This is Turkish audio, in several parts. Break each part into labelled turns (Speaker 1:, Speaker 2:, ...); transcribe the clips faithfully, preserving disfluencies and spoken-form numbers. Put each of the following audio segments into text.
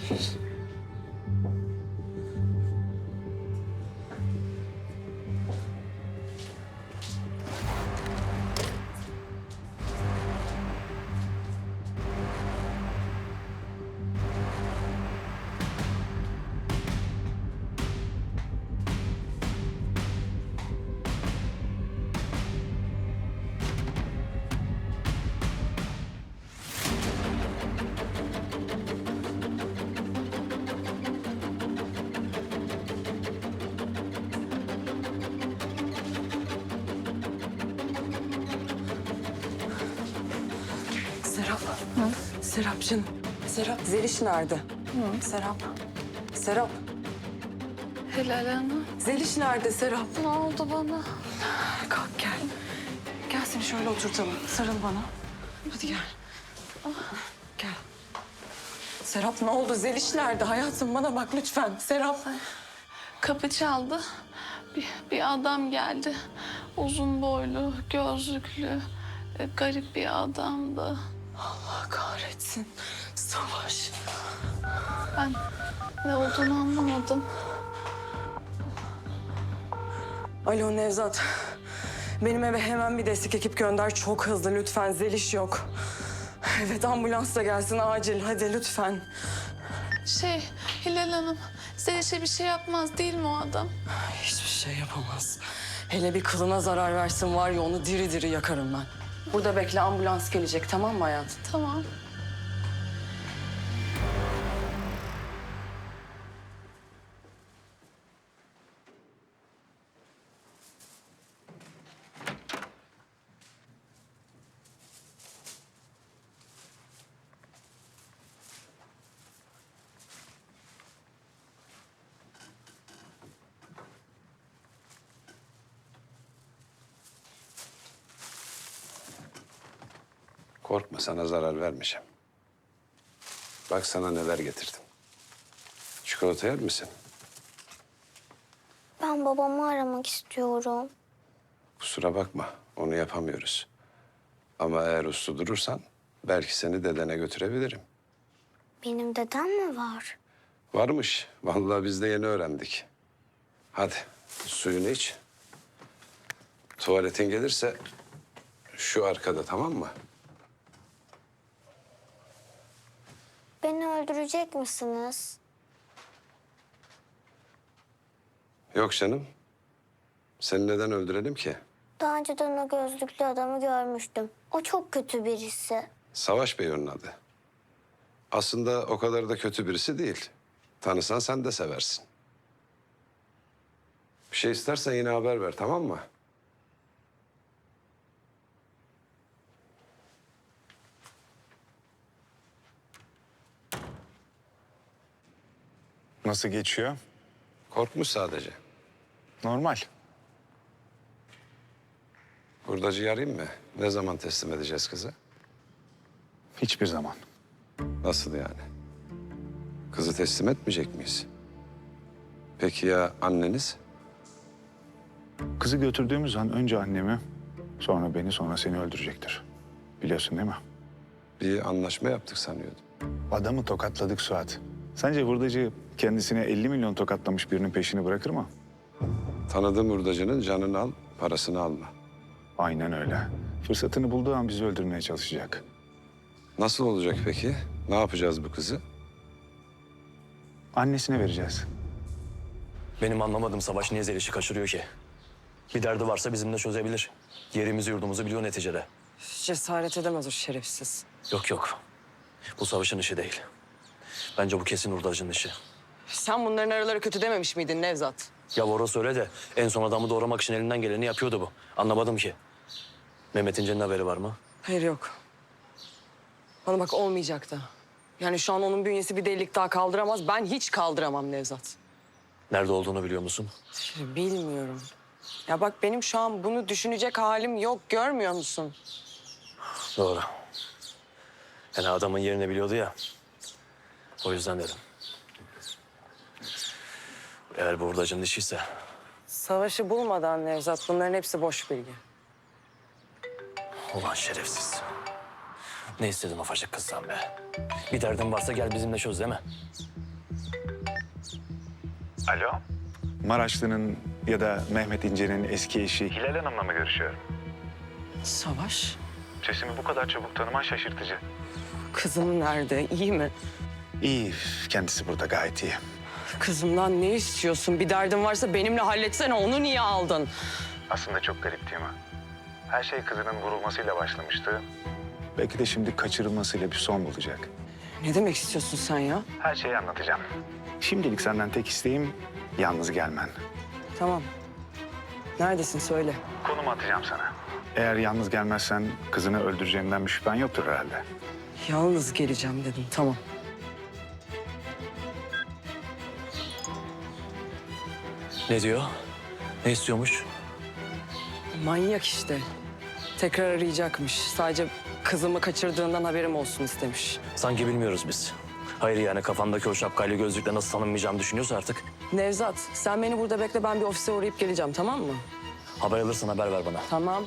Speaker 1: Serap. Hı? Serap canım. Serap. Zeliş nerede? Hı? Serap. Serap.
Speaker 2: Helal Hanım.
Speaker 1: Zeliş nerede Serap?
Speaker 2: Ne oldu bana?
Speaker 1: Kalk gel. Gel seni şöyle oturtalım. Sarıl bana. Hadi gel. Gel. Serap ne oldu? Zeliş nerede? Hayatım bana bak lütfen. Serap.
Speaker 2: Kapı çaldı. Bir, bir adam geldi. Uzun boylu, gözlüklü, e, garip bir adamdı.
Speaker 1: Allah kahretsin. Savaş.
Speaker 2: Ben ne olduğunu anlamadım.
Speaker 1: Alo Nevzat. Benim eve hemen bir destek ekip gönder. Çok hızlı lütfen. Zeliş yok. Evet ambulans da gelsin acil. Hadi lütfen.
Speaker 2: Şey, Hilal Hanım, Zeliş'e bir şey yapmaz değil mi o adam?
Speaker 1: Hiçbir şey yapamaz. Hele bir kılına zarar versin var ya onu diri diri yakarım ben. Burada bekle ambulans gelecek tamam mı hayatım?
Speaker 2: Tamam.
Speaker 3: Korkma, sana zarar vermeyeceğim. Bak sana neler getirdim. Çikolata yer misin?
Speaker 4: Ben babamı aramak istiyorum.
Speaker 3: Kusura bakma, onu yapamıyoruz. Ama eğer uslu durursan belki seni dedene götürebilirim.
Speaker 4: Benim dedem mi var?
Speaker 3: Varmış, vallahi biz de yeni öğrendik. Hadi suyunu iç. Tuvaletin gelirse şu arkada, tamam mı?
Speaker 4: Beni öldürecek misiniz?
Speaker 3: Yok canım. Seni neden öldürelim ki?
Speaker 4: Daha önceden o gözlüklü adamı görmüştüm. O çok kötü birisi.
Speaker 3: Savaş Bey onun adı. Aslında o kadar da kötü birisi değil. Tanısan sen de seversin. Bir şey istersen yine haber ver, tamam mı?
Speaker 5: Nasıl geçiyor?
Speaker 3: Korkmuş sadece.
Speaker 5: Normal.
Speaker 3: Hurdacıyı arayayım mı? Ne zaman teslim edeceğiz kızı?
Speaker 5: Hiçbir zaman.
Speaker 3: Nasıl yani? Kızı teslim etmeyecek miyiz? Peki ya anneniz?
Speaker 5: Kızı götürdüğümüz an önce annemi, sonra beni, sonra seni öldürecektir. Biliyorsun değil mi?
Speaker 3: Bir anlaşma yaptık sanıyordum.
Speaker 5: Adamı tokatladık Suat. Sence hurdacı kendisine elli milyon tokatlamış birinin peşini bırakır mı?
Speaker 3: Tanıdığım hurdacının canını al, parasını alma.
Speaker 5: Aynen öyle. Fırsatını bulduğu an bizi öldürmeye çalışacak.
Speaker 3: Nasıl olacak peki? Ne yapacağız bu kızı?
Speaker 5: Annesine vereceğiz.
Speaker 6: Benim anlamadığım Savaş niye Zeliş'i kaçırıyor ki? Bir derdi varsa bizimle çözebilir. Yerimizi yurdumuzu biliyor neticede.
Speaker 1: Cesaret edemez o şerefsiz.
Speaker 6: Yok yok. Bu Savaş'ın işi değil. Bence bu kesin hurdacının işi.
Speaker 1: Sen bunların araları kötü dememiş miydin Nevzat?
Speaker 6: Ya orası öyle de en son adamı doğramak için elinden geleni yapıyordu bu. Anlamadım ki. Mehmet İnce'nin haberi var mı?
Speaker 1: Hayır yok. Bana bak olmayacak da. Yani şu an onun bünyesi bir delilik daha kaldıramaz. Ben hiç kaldıramam Nevzat.
Speaker 6: Nerede olduğunu biliyor musun?
Speaker 1: Şimdi bilmiyorum. Ya bak benim şu an bunu düşünecek halim yok. Görmüyor musun?
Speaker 6: Doğru. Yani adamın yerini biliyordu ya. O yüzden dedim. Eğer bu hurdacının işiyse
Speaker 1: Savaşı bulmadan Nevzat bunların hepsi boş bilgi.
Speaker 6: ulan şerefsiz. Ne istedin ufacık kızdan be? Bir derdin varsa gel bizimle çöz değil mi?
Speaker 5: Alo? Maraşlı'nın ya da Mehmet İnce'nin eski eşi Hilal Hanım'la mı görüşüyorum?
Speaker 1: Savaş,
Speaker 5: Sesimi bu kadar çabuk tanıman şaşırtıcı.
Speaker 1: kızım nerede? İyi mi?
Speaker 5: İyi, kendisi burada gayet iyi.
Speaker 1: Kızımdan ne istiyorsun? Bir derdin varsa benimle halletsene. Onu niye aldın?
Speaker 5: Aslında çok garip değil mi? Her şey kızının vurulmasıyla başlamıştı. Belki de şimdi kaçırılmasıyla bir son bulacak.
Speaker 1: Ne demek istiyorsun sen ya?
Speaker 5: Her şeyi anlatacağım. Şimdilik senden tek isteğim yalnız gelmen.
Speaker 1: Tamam. Neredesin söyle.
Speaker 5: Konumu atacağım sana. Eğer yalnız gelmezsen kızını öldüreceğimden bir şüphen yoktur herhalde.
Speaker 1: Yalnız geleceğim dedim. Tamam.
Speaker 6: Ne diyor? Ne istiyormuş?
Speaker 1: Manyak işte. Tekrar arayacakmış. Sadece kızımı kaçırdığından haberim olsun istemiş.
Speaker 6: Sanki bilmiyoruz biz. Hayır yani kafandaki o şapkayla gözlükle nasıl tanınmayacağımı düşünüyorsa artık.
Speaker 1: Nevzat, sen beni burada bekle. Ben bir ofise uğrayıp geleceğim, tamam mı?
Speaker 6: Haber alırsan haber ver bana.
Speaker 1: Tamam.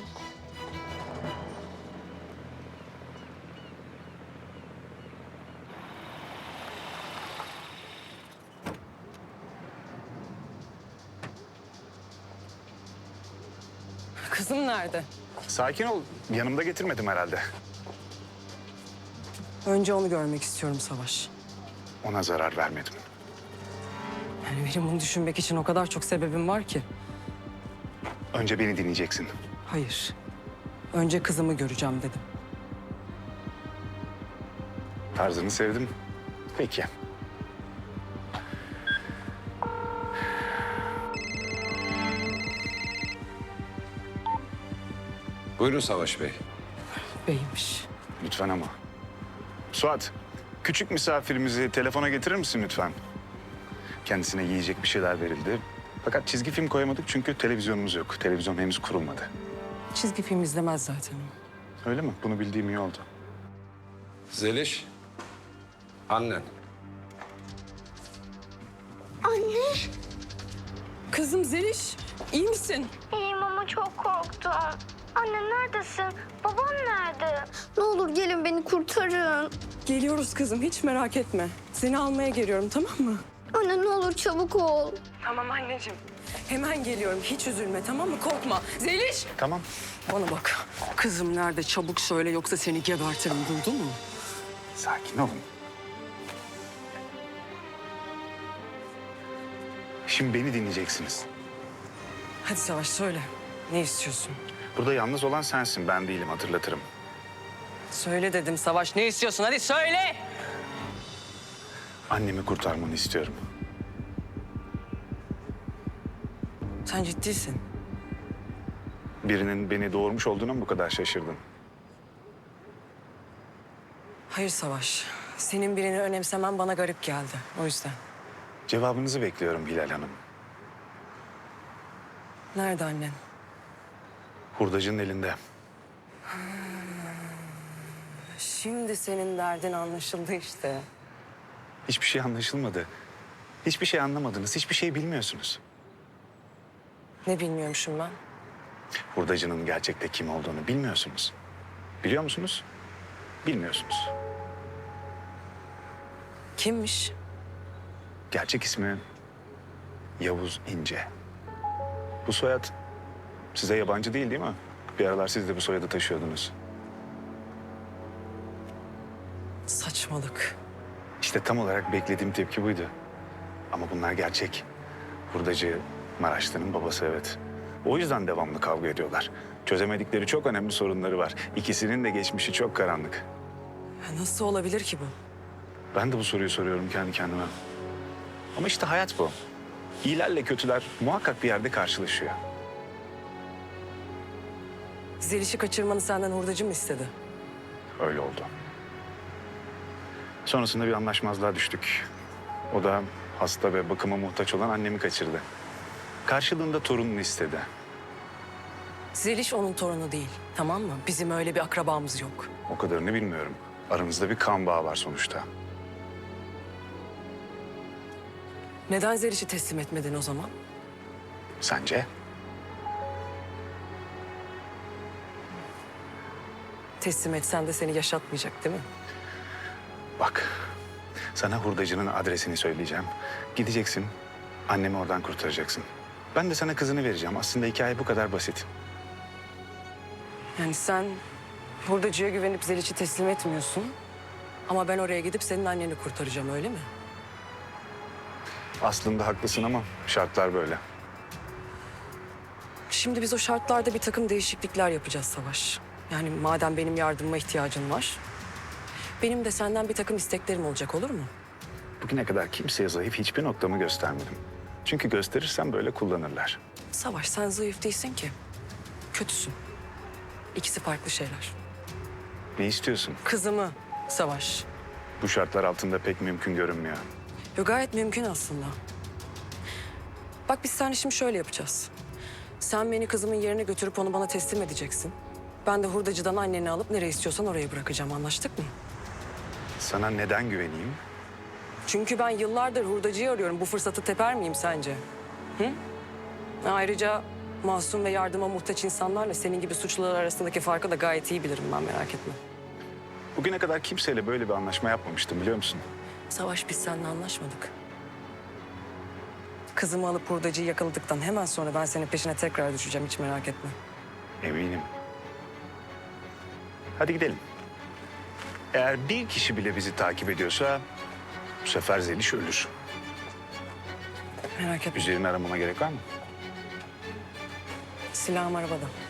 Speaker 1: Kızım nerede?
Speaker 5: Sakin ol. Yanımda getirmedim herhalde.
Speaker 1: Önce onu görmek istiyorum Savaş.
Speaker 5: Ona zarar vermedim.
Speaker 1: Yani benim bunu düşünmek için o kadar çok sebebim var ki.
Speaker 5: Önce beni dinleyeceksin.
Speaker 1: Hayır. Önce kızımı göreceğim dedim.
Speaker 5: Tarzını sevdim. Peki.
Speaker 3: Buyurun Savaş Bey.
Speaker 1: Beymiş.
Speaker 5: Lütfen ama. Suat, küçük misafirimizi telefona getirir misin lütfen? Kendisine yiyecek bir şeyler verildi. Fakat çizgi film koyamadık çünkü televizyonumuz yok. Televizyon henüz kurulmadı.
Speaker 1: Çizgi film izlemez zaten.
Speaker 5: Öyle mi? Bunu bildiğim iyi oldu.
Speaker 3: Zeliş. Annen.
Speaker 1: Kızım Zeliş, iyi misin?
Speaker 4: İyiyim ama çok korktum. Anne neredesin? Babam nerede? Ne olur gelin beni kurtarın.
Speaker 1: Geliyoruz kızım, hiç merak etme. Seni almaya geliyorum, tamam mı?
Speaker 4: Anne ne olur çabuk ol.
Speaker 1: Tamam anneciğim. Hemen geliyorum, hiç üzülme, tamam mı? Korkma. Zeliş!
Speaker 5: Tamam.
Speaker 1: Bana bak, kızım nerede? Çabuk söyle, yoksa seni gebertirim, duydun mu?
Speaker 5: Sakin olun. Şimdi beni dinleyeceksiniz.
Speaker 1: Hadi Savaş, söyle. Ne istiyorsun?
Speaker 5: Burada yalnız olan sensin, ben değilim, hatırlatırım.
Speaker 1: Söyle dedim Savaş, ne istiyorsun? Hadi söyle!
Speaker 5: Annemi kurtarmanı istiyorum.
Speaker 1: Sen ciddisin.
Speaker 5: Birinin beni doğurmuş olduğuna mı bu kadar şaşırdın?
Speaker 1: Hayır Savaş, senin birini önemsemen bana garip geldi. O yüzden.
Speaker 5: Cevabınızı bekliyorum Hilal Hanım.
Speaker 1: Nerede annen?
Speaker 5: Hurdacının elinde.
Speaker 1: Şimdi senin derdin anlaşıldı işte.
Speaker 5: Hiçbir şey anlaşılmadı. Hiçbir şey anlamadınız, hiçbir şey bilmiyorsunuz.
Speaker 1: Ne bilmiyormuşum ben?
Speaker 5: Hurdacının gerçekte kim olduğunu bilmiyorsunuz. Biliyor musunuz? Bilmiyorsunuz.
Speaker 1: Kimmiş?
Speaker 5: Gerçek ismi Yavuz İnce. Bu soyad size yabancı değil değil mi? Bir aralar siz de bu soyadı taşıyordunuz.
Speaker 1: Saçmalık.
Speaker 5: İşte tam olarak beklediğim tepki buydu. Ama bunlar gerçek. Hurdacı Maraşlı'nın babası, evet. O yüzden devamlı kavga ediyorlar. Çözemedikleri çok önemli sorunları var. İkisinin de geçmişi çok karanlık.
Speaker 1: Ya nasıl olabilir ki bu?
Speaker 5: Ben de bu soruyu soruyorum kendi kendime. Ama işte hayat bu. İyilerle kötüler muhakkak bir yerde karşılaşıyor.
Speaker 1: Zeliş'i kaçırmanı senden hurdacı mı istedi?
Speaker 5: Öyle oldu. Sonrasında bir anlaşmazlığa düştük. O da hasta ve bakıma muhtaç olan annemi kaçırdı. Karşılığında torununu istedi.
Speaker 1: Zeliş onun torunu değil, tamam mı? Bizim öyle bir akrabamız yok.
Speaker 5: O kadarını bilmiyorum. Aramızda bir kan bağı var sonuçta.
Speaker 1: Neden Zeliş'i teslim etmedin o zaman?
Speaker 5: Sence?
Speaker 1: teslim etsen de seni yaşatmayacak değil mi?
Speaker 5: Bak, sana hurdacının adresini söyleyeceğim. Gideceksin, annemi oradan kurtaracaksın. Ben de sana kızını vereceğim. Aslında hikaye bu kadar basit.
Speaker 1: Yani sen hurdacıya güvenip Zeliş'i teslim etmiyorsun. Ama ben oraya gidip senin anneni kurtaracağım, öyle mi?
Speaker 5: Aslında haklısın ama şartlar böyle.
Speaker 1: Şimdi biz o şartlarda bir takım değişiklikler yapacağız Savaş. Yani madem benim yardımıma ihtiyacın var... benim de senden bir takım isteklerim olacak, olur mu?
Speaker 5: Bugüne kadar kimseye zayıf hiçbir noktamı göstermedim. Çünkü gösterirsem böyle kullanırlar.
Speaker 1: Savaş, sen zayıf değilsin ki. Kötüsün. İkisi farklı şeyler.
Speaker 5: Ne istiyorsun?
Speaker 1: Kızımı Savaş.
Speaker 5: Bu şartlar altında pek mümkün görünmüyor.
Speaker 1: Yo, gayet mümkün aslında. Bak biz seninle şimdi şöyle yapacağız. Sen beni kızımın yerine götürüp onu bana teslim edeceksin. Ben de hurdacıdan anneni alıp nereye istiyorsan oraya bırakacağım. Anlaştık mı?
Speaker 5: Sana neden güveneyim?
Speaker 1: Çünkü ben yıllardır hurdacıyı arıyorum. Bu fırsatı teper miyim sence? Hı? Ayrıca masum ve yardıma muhtaç insanlarla senin gibi suçlular arasındaki farkı da gayet iyi bilirim ben, merak etme.
Speaker 5: Bugüne kadar kimseyle böyle bir anlaşma yapmamıştım biliyor musun?
Speaker 1: Savaş, biz seninle anlaşmadık. Kızımı alıp hurdacıyı yakaladıktan hemen sonra ben senin peşine tekrar düşeceğim, hiç merak etme.
Speaker 5: Eminim. Hadi gidelim. Eğer bir kişi bile bizi takip ediyorsa bu sefer Zeliş ölür.
Speaker 1: Merak etme.
Speaker 5: Üzerini aramama gerek var mı?
Speaker 1: Silahım arabada.